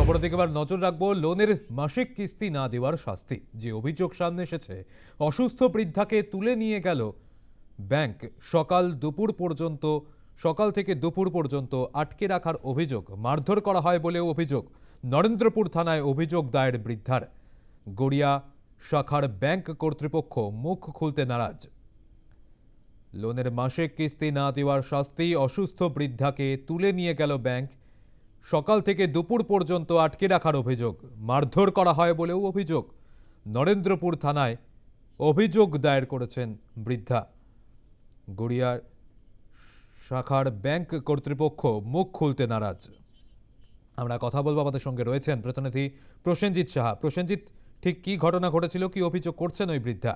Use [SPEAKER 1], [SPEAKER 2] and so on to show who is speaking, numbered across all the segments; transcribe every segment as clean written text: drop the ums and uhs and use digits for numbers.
[SPEAKER 1] খবরের দিকে এবার নজর রাখবো লোনের মাসিক কিস্তি না দেওয়ার শাস্তি। যে অভিযোগ সামনে এসেছে, অসুস্থ বৃদ্ধাকে তুলে নিয়ে গেল ব্যাংক, সকাল থেকে দুপুর পর্যন্ত আটকে রাখার অভিযোগ, মারধর করা হয় বলেও অভিযোগ। নরেন্দ্রপুর থানায় অভিযোগ দায়ের বৃদ্ধার। গড়িয়া শাখার ব্যাংক কর্তৃপক্ষ মুখ খুলতে নারাজ। লোনের মাসিক কিস্তি না দেওয়ার শাস্তি, অসুস্থ বৃদ্ধাকে তুলে নিয়ে গেল ব্যাংক, সকাল থেকে দুপুর পর্যন্ত আটকে রাখার অভিযোগ, মারধর করা হয় বলেও অভিযোগ। নরেন্দ্রপুর থানায় অভিযোগ দায়ের করেছেন বৃদ্ধা। গড়িয়ার শাখার ব্যাংক কর্তৃপক্ষ মুখ খুলতে নারাজ। আমরা কথা বলবো, আমাদের সঙ্গে রয়েছেন প্রতিনিধি প্রসেনজিৎ সাহা। প্রসেনজিৎ, ঠিক কি ঘটনা ঘটেছিল, কি অভিযোগ করছেন ওই বৃদ্ধা?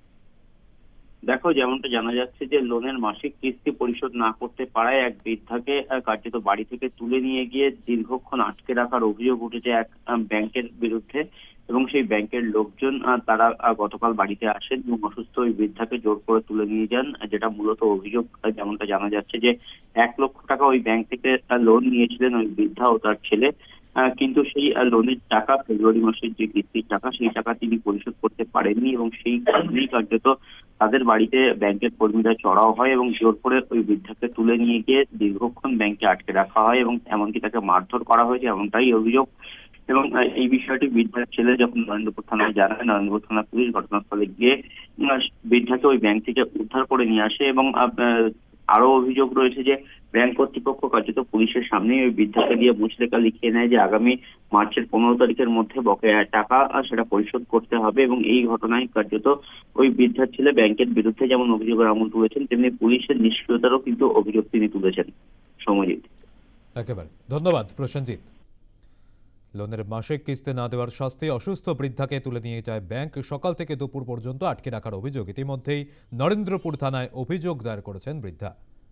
[SPEAKER 2] দেখো, যেমনটা জানা যাচ্ছে যে লোনের মাসিক কিস্তি পরিশোধ না করতে পারায় এক বৃদ্ধাকে কার্যত বাড়ি থেকে তুলে নিয়ে গিয়ে দীর্ঘক্ষণ আটকে রাখার অভিযোগ উঠেছে এক ব্যাংকের বিরুদ্ধে। এবং সেই ব্যাংকের লোকজন তারা গতকাল বাড়িতে আসেন এবং অসুস্থ ওই বৃদ্ধাকে জোর করে তুলে নিয়ে যান। যেটা মূলত অভিযোগ, যেমনটা জানা যাচ্ছে যে 1 লক্ষ টাকা ওই ব্যাংক থেকে লোন নিয়েছিলেন ওই বৃদ্ধা ও তার ছেলে। কিন্তু সেই লোনের টাকা, ফেব্রুয়ারি মাসের যে কিস্তির টাকা, সেই টাকা তিনি পরিশোধ করতে পারেননি এবং সেই কারণেই কার্যত তাদের বাড়িতে ব্যাংকের কর্মীরা চড়াও হয় এবং জোর করে ওই বৃদ্ধাকে তুলে নিয়ে গিয়ে দীর্ঘক্ষণ ব্যাংকে আটকে রাখা হয় এবং এমনকি তাকে মারধর করা হয়েছে, এমনটাই অভিযোগ। এবং এই বিষয়টি বৃদ্ধার ছেলে যখন নরেন্দ্রপুর থানায় জানায়, নরেন্দ্রপুর থানা পুলিশ ঘটনাস্থলে গিয়ে বৃদ্ধাকে ওই ব্যাংক থেকে উদ্ধার করে নিয়ে আসে। এবং আরো অভিযোগ রয়েছে যে ব্যাংক কর্তৃপক্ষ কার্যত পুলিশের সামনে ওই বৃদ্ধাকে দিয়ে মুচলেখা লিখিয়ে নেয় যে আগামী মার্চের 15 তারিখের মধ্যে বকেয়া টাকা সেটা পরিশোধ করতে হবে। এবং এই ঘটনায় কার্যত ওই বৃদ্ধার ছেলে ব্যাংকের বিরুদ্ধে যেমন অভিযোগের আমল তুলেছেন, তেমনি পুলিশের নিষ্ক্রিয়তারও কিন্তু অভিযোগ তিনি তুলেছেন। সমজিৎ,
[SPEAKER 1] একেবারে ধন্যবাদ প্রসেনজিৎ। লোনের মাসিক কিস্তি না দেওয়ার শাস্তি, অসুস্থ বৃদ্ধাকে তুলে নিয়ে যায় ব্যাংক, সকাল থেকে দুপুর পর্যন্ত আটকে রাখার অভিযোগ। ইতিমধ্যেই নরেন্দ্রপুর থানায় অভিযোগ দায়ের করেছেন বৃদ্ধা।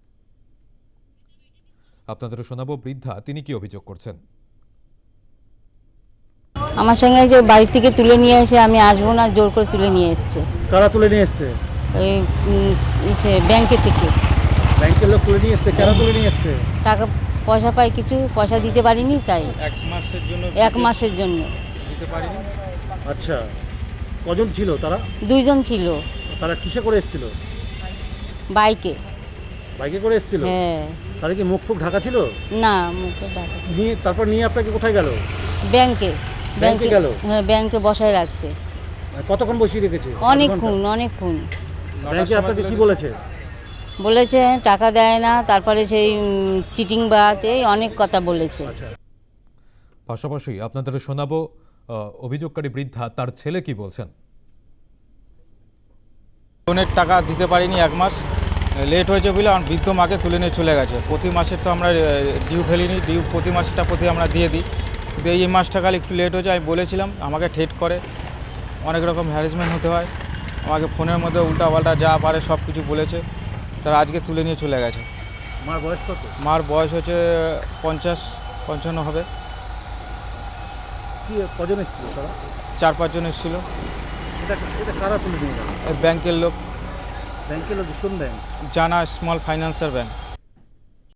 [SPEAKER 1] আপনাদের শোনাবো বৃদ্ধা তিনি কি অভিযোগ করছেন।
[SPEAKER 3] আমার সঙ্গে যে বাড়ি থেকে তুলে নিয়ে এসে আমি আসবো না, জোর করে তুলে নিয়ে এসছে।
[SPEAKER 4] কারা তুলে নিয়ে এসছে?
[SPEAKER 3] ওই ব্যাংকে থেকে।
[SPEAKER 4] ব্যাংকের লোক তুলে নিয়ে এসছে? কারা তুলে নিয়ে এসছে?
[SPEAKER 3] টাকা পয়সা পাই, কিছু পয়সা দিতে পারিনি, তাই 1 মাসের জন্য
[SPEAKER 4] দিতে পারিনি। আচ্ছা, কজন ছিল তারা?
[SPEAKER 3] 2 জন ছিল।
[SPEAKER 4] তারা কিসে করে এসেছিল?
[SPEAKER 3] বাইকে।
[SPEAKER 4] বাইকে করে এসেছিল?
[SPEAKER 3] হ্যাঁ।
[SPEAKER 4] তাদের কি মুখ ঢাকা ছিল?
[SPEAKER 3] না, মুখে ঢাকা।
[SPEAKER 4] তারপর নিয়ে আপনাকে কোথায় গেল?
[SPEAKER 3] ব্যাংকে।
[SPEAKER 4] ব্যাংকে গেল?
[SPEAKER 3] হ্যাঁ, ব্যাংকে বসায় রাখছে।
[SPEAKER 4] কতক্ষণ বসিয়ে রেখেছে?
[SPEAKER 3] অনেকক্ষণ।
[SPEAKER 4] ব্যাংকে আপনাকে কি বলেছে?
[SPEAKER 3] বলেছে টাকা দেয় না, তারপরে সেই চিটিং বাজ, এই অনেক কথা বলেছে।
[SPEAKER 1] পাশাপাশি আপনাদের শোনাবো অভিযোগকারী বৃদ্ধা, তার ছেলে কি বলছেন।
[SPEAKER 5] লোনের টাকা দিতে পারিনি, 1 মাস লেট হয়েছে বলে আমার বৃদ্ধ মাকে তুলে নিয়ে চলে গেছে। প্রতি মাসে তো আমরা ডিউ ফেলিনি, ডিউ প্রতি মাসেটা আমরা দিয়ে দিই, কিন্তু এই মাসটা খালি একটু লেট হয়েছে। আমি বলেছিলাম, আমাকে ঠেট করে, অনেক রকম হ্যারাসমেন্ট হতে হয়, আমাকে ফোনের মধ্যে উল্টাপাল্টা যা পারে সব কিছু বলেছে। তারা আজকে তুলে নিয়ে চলে গেছে।
[SPEAKER 4] মার বয়স কত?
[SPEAKER 5] মার বয়স হচ্ছে 50-55 হবে।
[SPEAKER 4] কি কজন এসেছিল তারা?
[SPEAKER 5] 4-5 জন এসেছিল।
[SPEAKER 4] এটা কারা তুলে নিয়ে গেল?
[SPEAKER 5] ব্যাংকের লোক।
[SPEAKER 4] ব্যাংকের লোক? কোন ব্যাংক?
[SPEAKER 5] জানা স্মল ফাইন্যান্সার ব্যাংক।